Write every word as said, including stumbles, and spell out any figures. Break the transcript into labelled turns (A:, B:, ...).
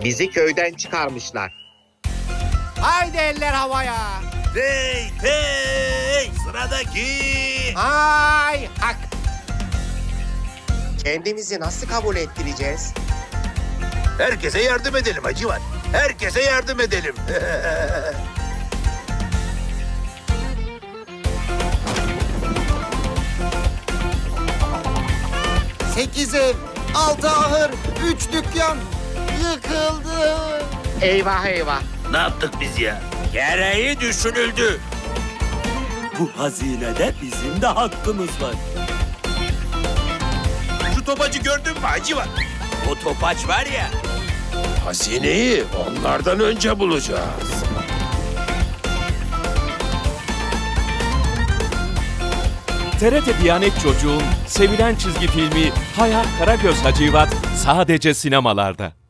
A: Bizi köyden çıkarmışlar.
B: Haydi eller havaya.
C: Hey hey sıradaki.
B: Hay hak.
A: Kendimizi nasıl kabul ettireceğiz?
C: Herkese yardım edelim Hacivat. Herkese yardım edelim.
B: Sekiz ev, altı ahır, üç dükkan yıkıldı.
A: Eyvah eyvah.
C: Ne yaptık biz ya? Gereği düşünüldü.
D: Bu hazinede bizim de hakkımız var.
C: Şu topacı gördün mü Hacivat? O topaç var ya. Hazineyi onlardan önce bulacağız.
E: T R T Diyanet Çocuğu'nun sevilen çizgi filmi Hayat Karagöz Hacivat sadece sinemalarda.